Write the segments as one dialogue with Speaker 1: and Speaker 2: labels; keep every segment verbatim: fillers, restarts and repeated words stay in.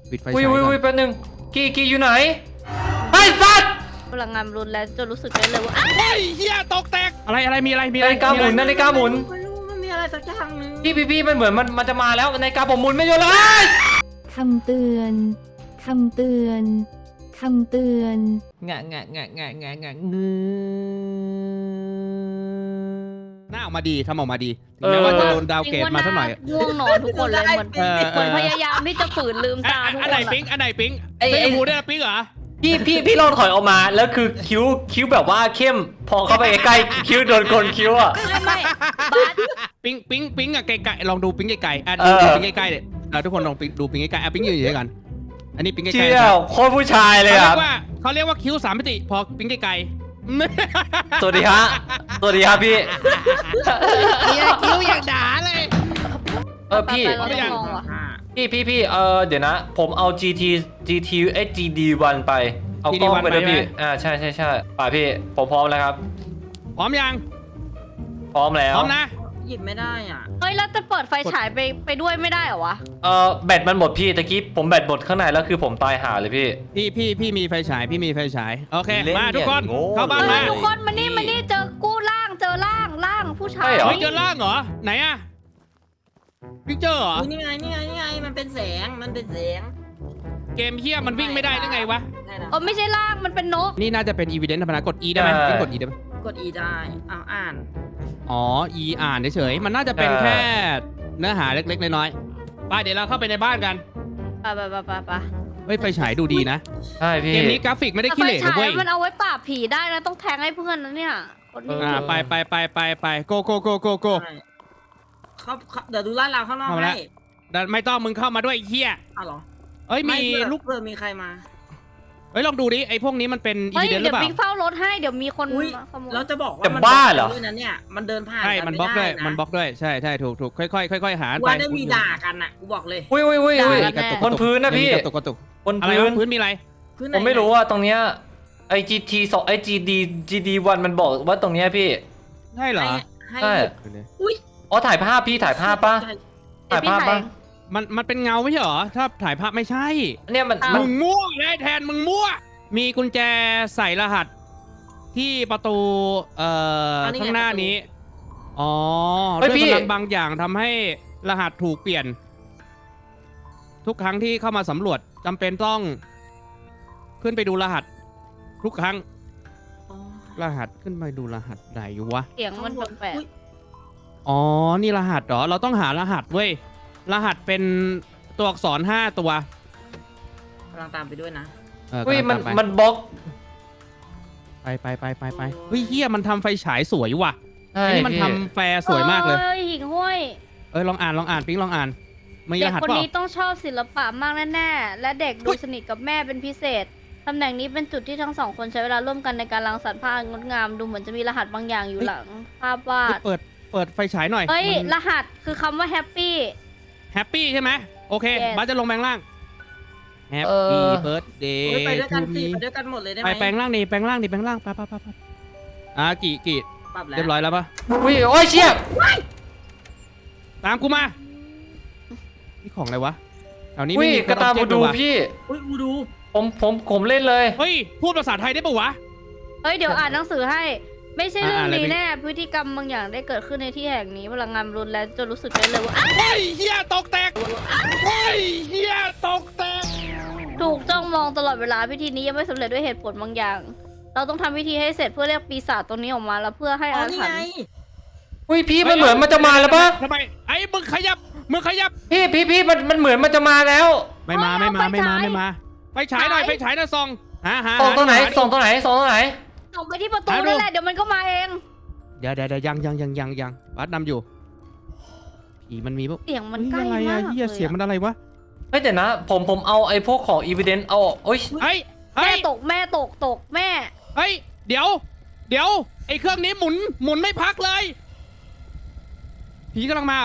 Speaker 1: ปิดไฟ
Speaker 2: อุ้ย
Speaker 1: ฉาย
Speaker 2: อุ้ย
Speaker 1: ก่อ
Speaker 2: อุ้ย
Speaker 1: น
Speaker 2: แป๊บนึงกีกีอยู่ไหนไอ้สัตว์
Speaker 3: พลังงานรุนแรงจนรู้สึกได้เลยว่า
Speaker 1: เฮ้ยเฮียตกแตกอะไรอะไรมีอะไรมีอะ
Speaker 2: นา
Speaker 1: ไร
Speaker 2: ฬิกาหมุนนาฬิกาหมุน
Speaker 4: ไม่รู้มันมีอะไรสักอย่างนึง
Speaker 2: พี่พี่พี่มันเหมือนมันมันจะมาแล้วนาฬิกาผมหมุนไม่หยุดเลย
Speaker 5: คำเตือน คำเตือน คำเตือน
Speaker 2: งะงะงะงะงะงะงื
Speaker 1: หน้าออกมาดีทำออกมาดีถึงแม้ว่าจะโดนดาวเกตมาสักหน่อย
Speaker 3: ง่วงนอนทุกคนเลยเหมือน
Speaker 1: เออ
Speaker 3: เหมือนพยายามที่จะฝืนลืมตาทุก
Speaker 1: อัน
Speaker 3: ค
Speaker 1: ไหน
Speaker 3: น
Speaker 1: ปิ๊งอันไหนปิ๊ง
Speaker 2: ไอ้
Speaker 1: ไอ้
Speaker 2: ไอ้
Speaker 1: หมูได้ปิ๊งเหรอ
Speaker 2: พี่พี่พี่ลองถอยออกมาแล้วคือคิ้วคิ้วแบบว่าเข้มพอเข้าไปใกล้ๆคิ้วโดนกลคิ้วอ่ะ
Speaker 3: ไม่ไม่บาส
Speaker 1: ปิ๊งปิ๊งปิ๊งอะไกลๆลองดูปิ๊งไกลๆอ่ะ
Speaker 2: เอ
Speaker 1: ดู
Speaker 2: อ
Speaker 1: ปิ๊งใกล้ๆเนี่ยเออทุกคนลองปิ๊งดูปิ๊งใกล้ๆอ่ะปิ๊งยืนอยู่ด้วยกันอันนี้ปิ๊งใกล้ๆ
Speaker 2: เชี่ย
Speaker 1: นะครับ
Speaker 2: โคตรผู้ชายเลย
Speaker 1: เขาเรี
Speaker 2: อ่ะ
Speaker 1: ยกว่าเขาเรียกว่าคิ้วสามมิติพอปิ๊งไกลๆ
Speaker 2: สวัสดีฮะสวัสดีครับพี่
Speaker 1: เฮียคิ้วอย่างด่าเลย
Speaker 2: เออพี่
Speaker 3: ไปๆเราต้องลองว่ะ
Speaker 2: พี่พี่พี่เออเดี๋ยวนะ ผมเอา จี ที จี ที เอส จี ดี วัน ไปเอากล้องไปด้วยพี่อ่าใช่ใช่ใช่ป่าพี่ผมพร้อมแล้วครับ
Speaker 1: พร้อมยัง
Speaker 2: พร้อมแล้ว
Speaker 1: พร้อมนะ
Speaker 4: หยิบไม่ได้อ่ะ
Speaker 3: เฮ้ยแล้วจะเปิดไฟฉายไปไปด้วยไม่ได้เหรอวะ
Speaker 2: เออแบตมันหมดพี่ตะกี้ผมแบตหมดข้างในแล้วคือผมตายหาเลยพี่
Speaker 1: พี่พี่พี่มีไฟฉายพี่มีไฟฉายโอเค
Speaker 2: เล่น
Speaker 1: มาทุกคน
Speaker 2: อย่างโง่
Speaker 1: เข้าบ้าน
Speaker 3: เฮ้
Speaker 1: มาย
Speaker 3: ทุกคนมานี่มานี่เจอกู้ร่างเจอร่างร่างผู้ชาย
Speaker 2: ใช่เหรอ
Speaker 1: เฮ้ยเจอล่างเหรอไหนอะพิกเจอร์เหรอ
Speaker 4: อุ๊ยนี่ไงนี่ไงนี่ไงมันเป็นแสงมันเป็นแสง
Speaker 1: เกมเฮียมันวิ่งไม่ได้หรือไงวะ
Speaker 4: ได้นะ
Speaker 3: เออไม่ใช่ร่างมันเป็นนก
Speaker 1: นี่น่าจะเป็นอีเวนต์ธรรมดากด E ได้ไหมพิงกด E ได้ไหม
Speaker 4: กด E ได้อ้าวอ่าน
Speaker 1: อ๋อ E อ่านเฉยๆมันน่าจะเป็นแค่เนื้อหาเล็กๆน้อยๆไปเดี๋ยวเราเข้าไปในบ้านกัน
Speaker 3: ไปไปไปไปไป
Speaker 1: เฮ้ยไฟฉายดูดีนะ
Speaker 2: ใช่พี่
Speaker 1: เกมนี้กราฟิกไม่ได้
Speaker 3: แต่
Speaker 1: ขี้
Speaker 3: ไฟ
Speaker 1: เหร่นะ
Speaker 3: ฉาย
Speaker 1: เว้ย
Speaker 3: มันเอาไว้ปราบผีได้นะต้องแทงให้เพื่อนนะเนี่ยคนนี้
Speaker 1: อ่าไปไปไปไปไปโกโกโกโกโก
Speaker 4: ใช่เขาเขาเดี๋ยวดูร้านเราข้างนอก
Speaker 1: เอาละ
Speaker 4: ให้
Speaker 1: ดันไม่ต้องมึงเข้ามาด้วยไอ้เฮีย
Speaker 4: อ้าวเหรอ
Speaker 1: เอ้ยมี
Speaker 4: ไเผื่อ
Speaker 1: ลูก
Speaker 4: เพื่อมีใครมา
Speaker 1: เฮ้ยลองดูดิไอ้พวกนี้มันเป็นอี
Speaker 3: เฮ้ย
Speaker 1: เวนต์หรื
Speaker 3: เดี๋
Speaker 1: อเปล่า
Speaker 3: ยวปิ๊งเฝ้ารถให้เดี๋ยวมีคน
Speaker 4: อุ้ย
Speaker 3: มาขโมย
Speaker 4: เราจะบอกว่า
Speaker 2: จะ
Speaker 4: มัน
Speaker 2: บ้าเหรอ
Speaker 4: ด้วยนะเนี่ยมันเดินผ่าน
Speaker 1: ใช่
Speaker 4: กั
Speaker 1: มัน
Speaker 4: ไ
Speaker 1: บล็อกด้วย
Speaker 4: ไะ
Speaker 1: มันบล็อกด้วยใช่ใช่ถูกถูกค่อยๆค่อยๆหาไป
Speaker 4: ว่าได้มีด่ากันอ่ะกูบอกเลย
Speaker 2: อุ้ยอุ้ยอุ้ยอุ้ย
Speaker 1: กระตุก
Speaker 2: บนพื้นนะพี่
Speaker 1: กระตุกกระตุก
Speaker 2: บน
Speaker 1: อะไร
Speaker 2: พื้
Speaker 1: วะ
Speaker 2: น
Speaker 1: พื้นมีอะไร
Speaker 4: พื้นหน
Speaker 2: ผมไม่รู้ว่าตรงเนี้ยไอจีทีสองไอจีดีจีดีวันมันบอกว่าตรงเนี้ยพี่
Speaker 1: ใช่เหรอ
Speaker 4: ให้ให้
Speaker 2: ใช่
Speaker 4: อุ้ย
Speaker 2: อ๋อถ่ายภาพพี่ถ่ายภาพปะ
Speaker 4: ใช่
Speaker 3: เดี๋ยวพี่
Speaker 2: ถ่ายภาพ
Speaker 3: ถ่าย
Speaker 2: ปะ
Speaker 1: มันมันเป็นเงาไม่ใช่เหรอถ้าถ่ายภาพไม่ใช่
Speaker 2: เนี่ยมัน
Speaker 3: อ้าว
Speaker 2: มัน
Speaker 1: มึงมั่วเลยแทนมึงมั่วมีกุญแจใส่รหัสที่ประตูเอ่อข้างหน้านี้อ๋อด้วยพลังบางอย่างทำให้รหัสถูกเปลี่ยน ทุกครั้งที่เข้ามาสำรวจจำเป็นต้องขึ้นไปดูรหัส ทุกครั้ง
Speaker 4: อ๋อ
Speaker 1: รหัสขึ้นไปดูรหัสไหนวะ
Speaker 3: เสียงมันแปลก
Speaker 4: อุ๊ย
Speaker 1: อ๋อ นี่รหัสเหรอ เราต้องหารหัสเว้ย รหัสเป็นตัวอักษรห้าตัว
Speaker 4: กำลังตามไปด้วยนะ
Speaker 1: เออ
Speaker 2: อุ้ย
Speaker 1: กำลั
Speaker 2: มัน
Speaker 1: งตาไป
Speaker 2: มันบล็อก
Speaker 1: ไปไปไปไปไปเฮ้ยเฮียมันทำไฟฉายสวยว่ะ
Speaker 2: ใช่
Speaker 1: อันนี้มัน
Speaker 2: พี่
Speaker 1: ทำแฟร์สวยมากเลย
Speaker 3: เอ้ยหิ่งห้วย
Speaker 1: เอ้ยลองอ่านลองอ่านปิ๊งลองอ่านมี
Speaker 3: เด็
Speaker 1: ร
Speaker 3: ก
Speaker 1: หัส
Speaker 3: คน
Speaker 1: เปล่า
Speaker 3: นี้ต้องชอบศิลปะมากแน่ๆและเด็กดูสนิทกับแม่เป็นพิเศษตำแหน่งนี้เป็นจุดที่ทั้งสองคนใช้เวลาร่วมกันในการรังสรรค์ภาพงดงามดูเหมือนจะมีรหัสบางอย่างอยู่หลังภาพวา
Speaker 1: เฮ้ย
Speaker 3: ด
Speaker 1: เปิดเปิดไฟฉายหน่อย
Speaker 3: เฮ้ยรหัสคือคำว่าแฮปปี้
Speaker 1: แฮปปี้ใช่ไหมโอเค
Speaker 3: Yes
Speaker 1: บ้าสจะลงแปลงร่างแฮป
Speaker 2: เอ
Speaker 1: ปี้
Speaker 2: อ
Speaker 1: เบิร์ดเดย์
Speaker 4: เฮ้ยไปด้วยกัน
Speaker 1: ทู
Speaker 4: สิ
Speaker 1: มี
Speaker 4: ไปด้วยกันหมดเลยได้ไห
Speaker 1: ไป
Speaker 4: ม
Speaker 1: แปลงร่างดิแปลงร่างดิแปลงร่างไปไปไปไปไปอ่ะกี่กี่
Speaker 4: ปรับแล้ว
Speaker 1: เรียบร้อยแล้วปะ
Speaker 2: อุ้ยโอ้ยเชี่ย
Speaker 1: ตามกูมานี่ของอะไรวะแถวนี้
Speaker 2: อุ้
Speaker 1: ไม่
Speaker 2: ย
Speaker 1: มี
Speaker 2: กระตาบูดู
Speaker 1: ว่ะ
Speaker 2: พี่
Speaker 4: อุ้ยอูดู
Speaker 2: ผมผมผมเล่นเลย
Speaker 1: เฮ้ยพูดภาษาไทยได้ปะวะ
Speaker 3: เฮ้ยเดี๋ยวอ่านหนังสือให้ ไม่ใช่เรื่อง
Speaker 1: อ่านอะไร
Speaker 3: นี้
Speaker 1: พี่
Speaker 3: แน่พฤติกรรมบางอย่างได้เกิดขึ้นในที่แห่งนี้พลังงานรุนแรงจนรู้สึกได้เลยว่า
Speaker 1: เฮ้ยเฮียตกแตกเฮ้ยเฮียตกแตก
Speaker 3: ถูกจ้องมองตลอดเวลาพิธีนี้ยังไม่สำเร็จด้วยเหตุผลบางอย่าง เราต้องทำพิธีให้เสร็จเพื่อเรียกปีศาจตัวนี้ออกมาแล้วเพื่อให้
Speaker 4: อ๋อ
Speaker 3: อา
Speaker 4: นี่
Speaker 3: ถรร
Speaker 4: ไง
Speaker 3: พ์
Speaker 2: อุ้ยพี่มันเหมือนมันจะมาแล้วปะ
Speaker 1: ทำไมไอ้มึงขยับมึงขยับ
Speaker 2: พี่พี่พี่มันมันเหมือนมันจะมาแล้ว
Speaker 1: ไม่มาไม่มาไม่มาไม่มาไฟฉายหน่อยไฟฉายหน่อยส่องหาหา
Speaker 2: ส่องตรงไหน
Speaker 1: า
Speaker 2: ส่องตรงไหนส่องตรงไหน
Speaker 3: ส่งไปที่ประตู
Speaker 1: หาดู
Speaker 3: นั่นแหละเดี๋ยวมันก็มาเอง
Speaker 1: เดี๋ยวเดี๋ยวเดี๋ยวยังยังยังยังยังวัดนำอยู่ผีมันมีปะ
Speaker 3: เสียงมันใกล้
Speaker 1: เฮ้ยอะไร
Speaker 3: มา
Speaker 1: อะ
Speaker 3: ก
Speaker 1: เฮีย
Speaker 3: เล
Speaker 1: เสียง
Speaker 3: ย
Speaker 1: มันอะไรวะ
Speaker 2: เฮ้ยเดี๋ยวนะ ผมผมเอาไอ้พวกของอีเวนต์เอาโอ้ย
Speaker 1: เฮ้ย
Speaker 3: แม่
Speaker 1: เฮ้ย
Speaker 3: ตกแม่ตกตกแม่
Speaker 1: เฮ้ยเดี๋ยว เดี๋ยวไอ้เครื่องนี้หมุนหมุนไม่พักเลยผีกำลังมา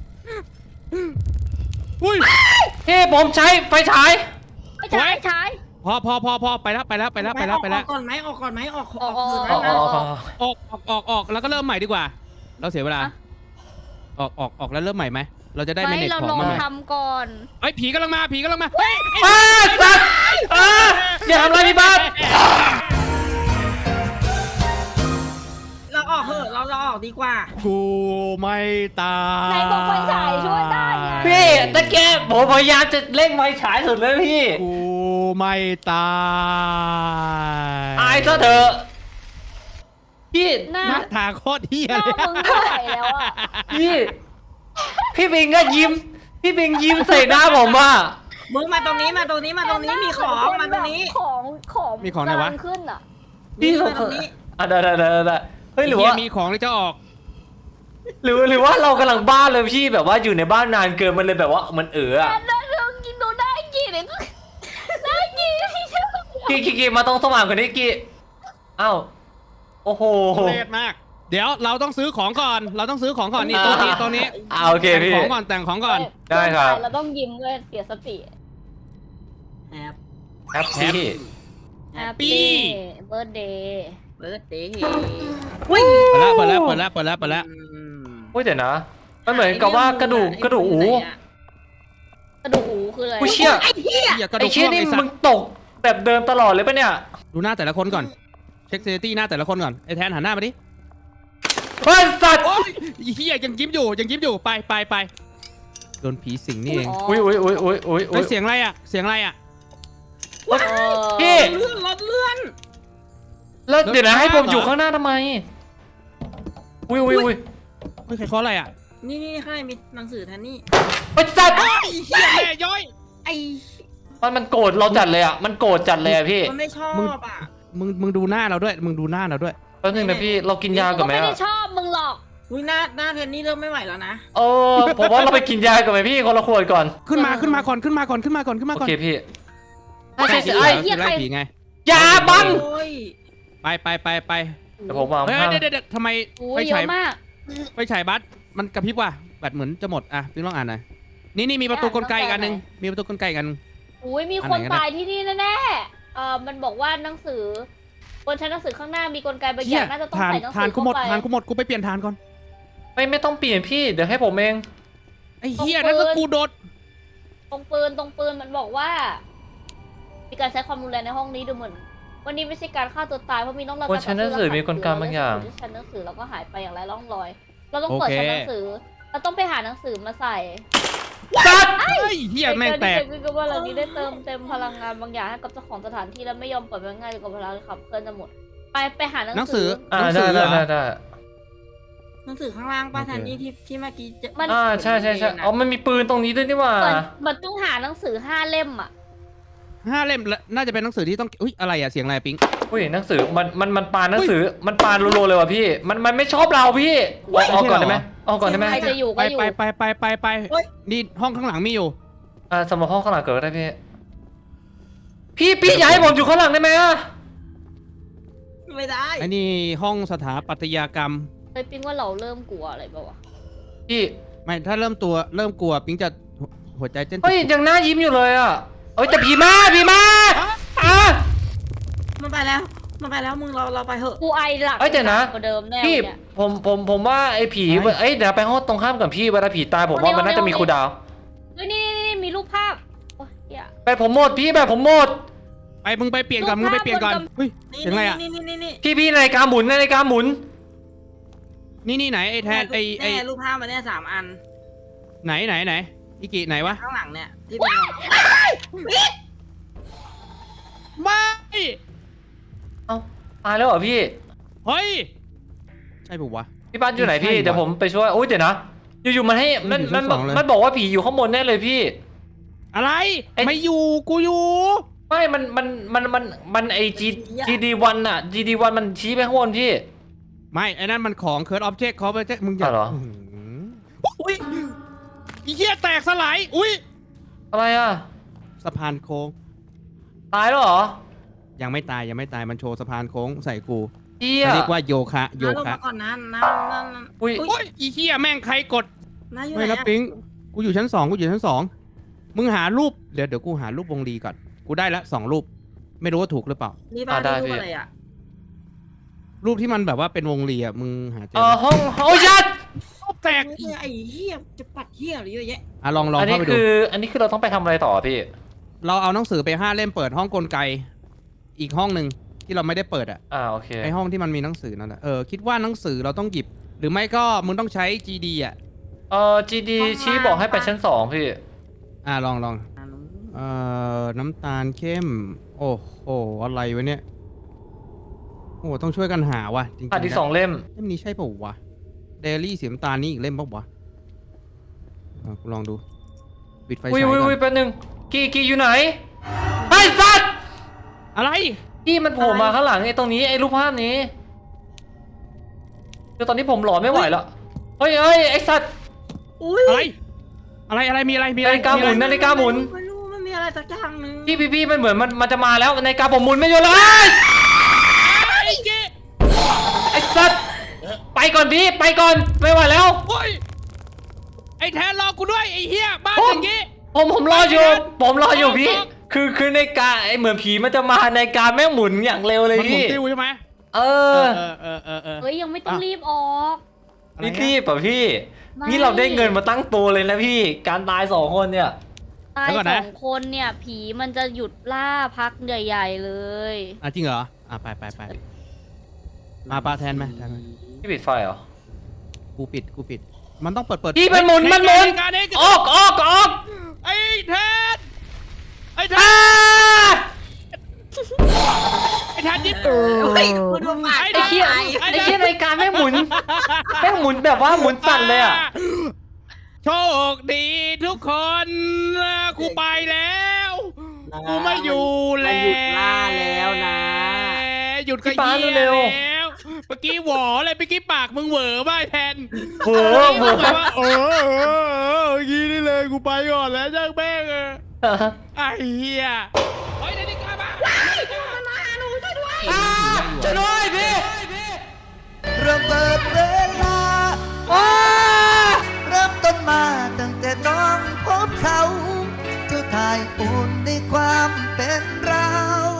Speaker 1: อุ้ย
Speaker 2: พี่ผมใช้ไฟฉาย
Speaker 3: ไอ้ชายชาย
Speaker 1: พอพอพอพอไปแล้วไปแล้วไปแล้วไปแล้วไปแล้ว
Speaker 4: ออกก่อนไหมออกก่อนไหมออกออก
Speaker 3: ออก
Speaker 4: คืน
Speaker 2: อ๋อ
Speaker 4: นั้น
Speaker 2: อ๋อ
Speaker 4: นะ
Speaker 2: อ๋อ
Speaker 1: ออกออกออกออกแล้วก็เริ่มใหม่ดีกว่า เราเสียเวลา
Speaker 3: อะ
Speaker 1: ออกออกออกแล้วเริ่มใหม่ไหมเราจะได้ไม่
Speaker 3: ไม่
Speaker 1: เน็ต
Speaker 3: เรา
Speaker 1: ของ
Speaker 3: ลอง
Speaker 1: มาใหม่
Speaker 3: ทำก่อน
Speaker 1: เฮ้ยผีกำลังมาผีกำลังมาเฮ้ย
Speaker 2: อ้าสัตว์อ้าอย่าทำอะไรพี่บ้าน
Speaker 4: เราออกเถอะเราเราออกดีกว่า
Speaker 1: กูไม่ตาย
Speaker 3: ไหนบอกไฟฉายช่วยได้ไง
Speaker 2: พี่ตะแกผมพยายามจะเร่งไฟฉายสุดเลยพี่
Speaker 1: กูไม่ตาย
Speaker 2: อายซะเถอะพี่
Speaker 3: หน้า
Speaker 1: หน้าตาโคตรเฮีย
Speaker 3: หน้า
Speaker 1: เลย
Speaker 3: มึงเท่าไหร่แล้วอะ
Speaker 2: พี่พี่บิงก็ยิ้ม พี่บิงยิ้มใส่หน้าผมอ่ะ
Speaker 4: มึงมาตรงนี้มาตรงนี้มาตรงนี้มีของมาตรงนี้
Speaker 3: ของของ
Speaker 1: มีของไหนวะ
Speaker 3: กำลัขึ้นอะ
Speaker 2: พี่
Speaker 4: นี่
Speaker 2: ส
Speaker 4: มาง ตรงนี้
Speaker 2: อ่ะได้ได้ได้ได้เฮ้ยหรือว่า
Speaker 1: เฮียมีของที่จะออก
Speaker 2: หรือหรือว่าเรากำลังบ้าเลยพี่แบบว่าอยู่ในบ้านนานเกินมันเลยแบบว่ามันเอออะ
Speaker 3: แต่เรื่องกินดูได้กี่เนี่ยได้กี่ที่เชื่อ
Speaker 2: กีกีกีมาตรงสว่างกว่านี้กีอ้าวโอ้โห
Speaker 1: เล็ดมาก เดี๋ยวเราต้องซื้อของก่อน เราต้องซื้อของก่อนนี่ตัวนี้ตัวนี้
Speaker 2: อ่าโอเค
Speaker 1: แต่ง
Speaker 2: พี่
Speaker 1: ของก่อนแต่งของก่อน
Speaker 2: ได้ครับ
Speaker 3: เราต้องยิ้มด้วยเสียสติ
Speaker 4: แอบ
Speaker 2: แฮปปี้
Speaker 1: Happy
Speaker 3: birthday
Speaker 4: เบิร์ดเดย์
Speaker 1: เปิดแล้วเปิดแล้วเปิดแล้วเปิดแล้วเปิดแล้ว
Speaker 2: เฮ้ยเดี๋ยวนะมันเหมือนกับว่ากระดูกกระดูกอู
Speaker 3: กระดูกหูคืออะไร
Speaker 2: อุ้ยเชี่ย
Speaker 4: ไอ้เหี้ย
Speaker 1: อย่ากระ
Speaker 2: ไอ้
Speaker 1: ดูก
Speaker 2: เชี่ย
Speaker 1: ร่วง
Speaker 2: นี่
Speaker 1: ไอ้สั
Speaker 2: มึ
Speaker 1: ต
Speaker 2: ง
Speaker 1: ว์
Speaker 2: ตกแบบเดิมตลอดเลยปะเนี่ย
Speaker 1: ดูหน้าแต่ละคนก่อน เช็คเซตี้หน้าแต่ละคนก่อน ไอ้แทนหันหน้ามาดิ
Speaker 2: เฮ้ยสัตว์
Speaker 1: โอ้ยไอ้เฮียยังยิ้มอยู่ยังยิ้มอยู่ ไปไปไปโดนผีสิงนี่เอง
Speaker 2: อุ้ยอุ้ยอุ้ยอุ้ยอุ้ย
Speaker 1: เฮ้ยเสียงอะไรอ่ะ เสียงอะไรอ่ะ
Speaker 2: พี่
Speaker 4: เลื่อนรถเลื่อน
Speaker 2: แล้วเดี๋ยวนะ
Speaker 1: รถ
Speaker 2: ให้ผม
Speaker 1: เหรอ
Speaker 2: อยู่ข้างหน้าทำไมอุ้ยอุ้ยอุ้ย
Speaker 1: เฮ้ยใครเคาะอะไรอ่ะ
Speaker 4: นี่นี่ข้างในมีหนังสือแทนนี่
Speaker 2: เฮ้ยสัตว์
Speaker 1: ไอ้เฮียแม่ย้อย
Speaker 4: ไอ้
Speaker 2: มันมันโกรธเราจัดเลยอ่ะมันโกรธจัดเลยอ่ะพี่
Speaker 4: มันไม่ชอ
Speaker 1: มึง
Speaker 4: บอ่ะ
Speaker 1: มึงมึงดูหน้าเราด้วย มึงดูหน้าเราด้วย
Speaker 2: แป๊บนึงนะพี่เรากินยาก่อนไหม
Speaker 3: ไม่ได้
Speaker 2: อ่ะ
Speaker 3: ชอบมึงหรอก
Speaker 4: อุ้ยหน้าหน้าแทนนี่เริ่มไม่ไหวแล้วนะ
Speaker 2: เออผมว่าเราไปกินยาก่อนไหมพี่คนละขวดก่อน
Speaker 1: ขึ้นมาขึ้นมาก่อนขึ้นมาก่อนขึ้นมาก่อนขึ้นมา
Speaker 2: โอ
Speaker 1: ก่อน
Speaker 2: เคพี่
Speaker 1: ไอ้
Speaker 2: ใช่
Speaker 1: ผี
Speaker 2: ใช่
Speaker 1: เหรอคือไล่ผีไง
Speaker 2: ยาบัง
Speaker 4: โอ้ย
Speaker 1: ไปไปไปไป
Speaker 2: เดี๋ยวผมวาง
Speaker 1: เฮ้ย
Speaker 2: ข้าง
Speaker 1: เดี๋ยวเดี๋ยวเดี๋ยวทำไม
Speaker 3: อู้
Speaker 1: ไฟ
Speaker 3: เย
Speaker 1: ฉาย
Speaker 3: อะมาก
Speaker 1: ไฟฉายบัสมันกระพริบว่ะแบตเหมือนจะหมดอ่ะพี่ลองอ่านหน่อยนี่นี่มีประตูกลไกอีกอันหนึงมีประตูกลไกอีกอันหนึง
Speaker 3: อุ้ยมี
Speaker 1: อัน
Speaker 3: ค
Speaker 1: ไหน
Speaker 3: น
Speaker 1: กันนะ
Speaker 3: ตายที่นี่แน่ๆเอ่อมันบอกว่าหนังสือบนชั้นหนังสือข้างหน้ามีกลไกบางอ
Speaker 1: เฮีย
Speaker 3: ย่างน่าจะต้อง
Speaker 1: ทาน
Speaker 3: ใส่หนังสื
Speaker 1: ทาน
Speaker 3: อ
Speaker 1: กูหมด
Speaker 3: เข้าไป
Speaker 1: ทานกูหมดกูไปเปลี่ยนทานก่อน
Speaker 2: ไม่ไม่ต้องเปลี่ยนพี่เดี๋ยวให้ผมเอง
Speaker 1: ไอ้เฮียนั่นก็กูโดด
Speaker 3: ตรงปืนตรงปืนมันบอกว่า มีการใช้ความรุนแรงในห้องนี้ดูเหมือนวันนี้ไม่ใช่การฆ่าตัวตายเพราะมีน้องรอย
Speaker 2: บนชั้นหนังสือมีกลไกบางอย่าง
Speaker 3: ชั้นหนังสือเราก็หายไปอย่างไรร่องรอย เราต้องเปิดชั้นหนังสือ เราต้องไปหาหนังสือมาใส่
Speaker 2: สัตว์
Speaker 1: เฮ้ยเฮียแม่งแตก
Speaker 3: คือก็ว่าเรานี้ได้เติมเต็มพลังงานบางอย่างให้กับเจ้าของสถานที่และไม่ยอมปล่อยมันง่ายจนกว่าพลังขับเคลื่อนจะหมด ไปไปหาหนั
Speaker 1: หนั
Speaker 3: ง
Speaker 1: ง
Speaker 3: สื
Speaker 1: สื
Speaker 3: อ
Speaker 1: อ
Speaker 2: อ่า
Speaker 1: หนัง
Speaker 2: ได้
Speaker 1: สือเหร
Speaker 2: ได้
Speaker 1: อ
Speaker 2: ได้ได้
Speaker 4: หนังสือข้างล่างป้าแทนนี่ที่ที่เมื่อกี้เจะ
Speaker 3: มัน
Speaker 2: อ่าใช่ใช่ใช่อ๋อมันมีปืนตรงนี้ด้วยนี่หว่า
Speaker 3: มันมันต้องหาหนังสือห้าเล่มอ่ะ
Speaker 1: ห้าเล่มละน่าจะเป็นหนังสือที่ต้องอุ้ยอะไรอ่ะเสียงอะไรปิ๊ง
Speaker 2: อุ้ยหนังสือมันมันมันปานหนังสือมันปานรัวๆเลยว่ะพี่มันมันไม่ชอบเราพี่เอาเอาก่อนได้ไหมเอาก่อนได้ไหม
Speaker 3: ใครจะอยู่
Speaker 1: ไป
Speaker 3: ก็อยู่
Speaker 1: ไปไปไปไปไปนี่ห้องข้างหลังมีอยู่
Speaker 2: อ่าสำหรับห้องข้างหลังเกิดก็ได้พี่พี่พี่ย้ายผมอยู่ข้างหลังได้ไหมอ่ะ
Speaker 4: ไม่ได้
Speaker 1: ไอ้นี่ห้องสถาปัตยกรรม
Speaker 3: เฮ้ยปิ๊งว่าเราเริ่มกลัวอะไรป่าวะ
Speaker 2: พี่
Speaker 1: ไม่ถ้าเริ่มตัวเริ่มกลัวปิ๊งจะหัวใจเต้น
Speaker 2: เฮ้ยยังหน้ายิ้มอยู่เลยอ่ะเอ้ยแต่ผีมาผีมาอ่ะ
Speaker 4: มันไปแล้วมันไปแล้วมึงเราเราไปเถอะ
Speaker 3: กูไอหลัก
Speaker 2: เอ้ยเดี๋ยวนะ
Speaker 3: กว่าเดิมแน่
Speaker 2: พี่
Speaker 3: เนี่ย
Speaker 2: ผมผมผมว่าไอ้ผีเอ้ยเดี๋ยวไปห้องตรงข้ามกับพี่เวลาผีตายผมว่ามันน่าจะมีครูดาว
Speaker 3: เฮ้ยนี่นี่นี่มีรูปภาพโอ้ยเหี้ย
Speaker 2: ไปผมหมดพี่แบบผมหมด
Speaker 1: ไปมึงไปเปลี่ยนก่อนมึงไปเปลี่ยนก่อนเฮ้ย
Speaker 4: นี่
Speaker 1: เสียงอะไรอ่ะ
Speaker 4: นี่นี่นี่นี่
Speaker 2: พี่พี่นาฬิกาหมุนนาฬิกาหมุน
Speaker 1: นี่นี่ไหนไอ้แทนไอ้ไอ้
Speaker 4: แน่รูปภาพมันเนี่ยสามอัน
Speaker 1: ไหนไหนไหนอีกิไหนวะ
Speaker 4: ข้างหลังเนี่ยที่เป็น
Speaker 1: ไม่
Speaker 2: เอ้าตายแล้วเหรอพี่
Speaker 1: เฮ้ยใช่ปุ๊วะ
Speaker 2: พี่บ้านอยู่ไหนพี่
Speaker 1: ใช่ว่ะ
Speaker 2: เดี๋ยวผมไปช่วยโอ้ยเดี๋ยวนะอยู่ๆมันให้มัน
Speaker 1: อยู่
Speaker 2: มั
Speaker 1: ชั้
Speaker 2: น
Speaker 1: นสองเลย
Speaker 2: มันบอกว่าผีอยู่ข้างบนแน่เลยพี่
Speaker 1: อะไร
Speaker 2: ไอ้
Speaker 1: ไม่อยู่กูอยู่
Speaker 2: ไม่มันมันมันมันมันไอจีจีดีวันอะจีดีวันมันชี้ไปข้างบนพี่
Speaker 1: ไม่ไอ้นั่นมันของเคิร์ดออบเจกต์เขาไปเจ๊มึงอย่า
Speaker 2: อ๋อเหรอ
Speaker 1: อุ้ยอีเหี้ยแตกสลายอุ้ย
Speaker 2: อะไรอะ
Speaker 1: สะพานโค้ง
Speaker 2: ตายแล้วเหรอ
Speaker 1: ยังไม่ตายยังไม่ตายมันโชว์สะพานโค้งใส่กู
Speaker 2: เฮีย
Speaker 1: เรียกว่าโยคะโย
Speaker 4: น้าลง
Speaker 1: คะ
Speaker 4: มาก่อนนะน้าน้าน้า
Speaker 2: อุ้ย
Speaker 1: โอ้ยอีเหี้ยแม่งใครกด
Speaker 4: น้าอยู่ไห
Speaker 1: ไม่
Speaker 4: น
Speaker 1: นะ
Speaker 4: อะ
Speaker 1: ปิงกูอยู่ชั้นสองกูอยู่ชั้นสองมึงหารูปเดี๋ยวเดี๋ยวกูหารูปวงลีก่อนกูได้ละสองรูป ไม่รู้ว่าถูกหรือเปล่า
Speaker 4: นี่บ้านนี่รูปอะไรอ่ะ
Speaker 1: รูปที่มันแบบว่าเป็นวงลีอ่ะมึงหาเจอ
Speaker 2: เออ
Speaker 1: ไหม
Speaker 2: ห้องโอ้ยยัด
Speaker 1: รูปแตก
Speaker 4: เออไอ้เหี้ยจะปัดเหี้ยอะไรเยอะแยะ
Speaker 1: อ่ะลองลอง
Speaker 2: อันนี้
Speaker 1: เข้าไปดู
Speaker 2: คืออันนี้คือเราต้องไปทำอะไรต่อพี่
Speaker 1: เราเอาหนังสือไปห้าเล่มเปิดห้องกลไก อีกห้องหนึ่งที่เราไม่ได้เปิดอ่ะ
Speaker 2: อ่าโอเค
Speaker 1: ไอห้องที่มันมีหนังสือนั่นแหละเออคิดว่าหนังสือเราต้องหยิบ หรือไม่ก็มึงต้องใช้ จี ดี อ่ะ
Speaker 2: เอ่อ จี ดี ชี้บอกให้ไปชั้นสองพี่
Speaker 1: อ่ะลองลองเอ่อน้ำตาลเข้ม โอ้โหอะไรวะเนี่ยโอ้ต้องช่วยกันหาว่ะจริงๆ
Speaker 2: ขาดอีก
Speaker 1: นะ
Speaker 2: สองเล่ม
Speaker 1: เล่มนี้ใช่เปล่าวะเดลี่สีน้ำตาลนี่อีกเล่มเปล่าวะอ่ะกูลองดูปิดไฟ
Speaker 2: อุ้ย
Speaker 1: ฉาย
Speaker 2: อุ้ย
Speaker 1: ก่อ
Speaker 2: อุ้ย
Speaker 1: น
Speaker 2: แป๊บนึงกีกีอยู่ไหนไอ้สัตว์
Speaker 1: อะไร
Speaker 2: กี้มันโผล่มาข้างหลังไอ้ตรงนี้ไอ้รูปภาพนี้คือตอนนี้ผมหลอนไม่ไหวแล้วเฮ้ยเฮ้ยไอ้สัตว์
Speaker 4: อุ้ย
Speaker 1: อะไร อะไร อะไร มีอะไร มีอะไร
Speaker 2: นาฬิกาหมุน
Speaker 1: มีอะไร
Speaker 2: นาฬิกาหมุน
Speaker 4: ไม่รู้มันมีอะไรสักอย่างหนึง
Speaker 2: พี่พี่พี่มันเหมือนมันมันจะมาแล้วนาฬิกาผมหมุนไม่หยุดเลย
Speaker 1: ไอ้เจ๊
Speaker 2: ไอ้สัตว์ไปก่อนพี่ไปก่อนไม่ไหวแล้ว
Speaker 1: โอ้ย ไอ้แทนรอกูด้วย ไอ้เหี้ย บ้าน
Speaker 2: ผม
Speaker 1: อย่างงี้
Speaker 2: ผมผมรออยู่ ผมรออยู่พี่
Speaker 1: ผม
Speaker 2: คือคือในกาไอ้เหมือนผีมันจะมาในกาแม่งหมุนอย่างเร็วเลย
Speaker 1: มันหมุน
Speaker 2: พี่
Speaker 1: ติ้วใช่ไหม
Speaker 2: เอ
Speaker 1: เอ
Speaker 2: อ
Speaker 1: อ เออ เออ เออ
Speaker 3: เฮ้ยยังไม่ต้อง
Speaker 1: อ่ะ
Speaker 3: รีบออก
Speaker 1: อะไร
Speaker 2: นี่
Speaker 1: อะ
Speaker 2: รีบป่ะพี่
Speaker 3: ไม่
Speaker 2: นี่เราได้เงินมาตั้งตัวเลยนะพี่ การตายสองคนเนี่ย
Speaker 3: ตาย
Speaker 1: เดี๋ยวก่อน
Speaker 3: ส
Speaker 1: นะ
Speaker 3: องคนเนี่ยผีมันจะหยุดล่าพักใหญ่ ๆเลย
Speaker 1: อ่ะจริงเหรอ อ่ะไปไปไปมาปลาแทนไหมแทนไหม
Speaker 2: พี่ปิดไฟเหรอ
Speaker 1: กูปิด กูปิด มันต้องเปิดเปิด
Speaker 2: พี่มันหมุนมันหมุน
Speaker 1: การนี้
Speaker 2: ออกออกออก
Speaker 1: ไอ้แทน ไอ้แท
Speaker 2: อ่าน
Speaker 1: ไอ้แทนยิบ
Speaker 4: เฮ้ยมาดูปาก
Speaker 1: ไอ้
Speaker 2: ไอ้เหี้ย
Speaker 1: ไอ้
Speaker 2: ไอ้เหี้ยในการแม่งหมุนแม่งหมุนแบบว่าหมุนสั่นเลยอ่ะ
Speaker 1: โชคดีทุกคนกูไปแล้ว กูไม่อยู่แล้ว
Speaker 4: หยุดล่าแล้วนะ
Speaker 1: หยุดก็
Speaker 2: พี่ปา
Speaker 1: เยี่ย
Speaker 2: เร็
Speaker 1: แล้ว วเมื่อกี้หวอเลยเมื่อกี้ปากมึงเหวอบ้าแทน
Speaker 2: โอ้โห
Speaker 1: มึงแบบว่าเออเออเออเมื่อกี้นี่เลยกูไปก่อนแล้วจ้างแม่งเออไอ้เหี้ยเฮ้ยนาฬิกามาจะด้วยพี่
Speaker 6: เริ่มเปิดเวลาเริ่มต้นมาตั้งแต่น้องพบเขา เจ้าทายอุ่นในความเป็นเรา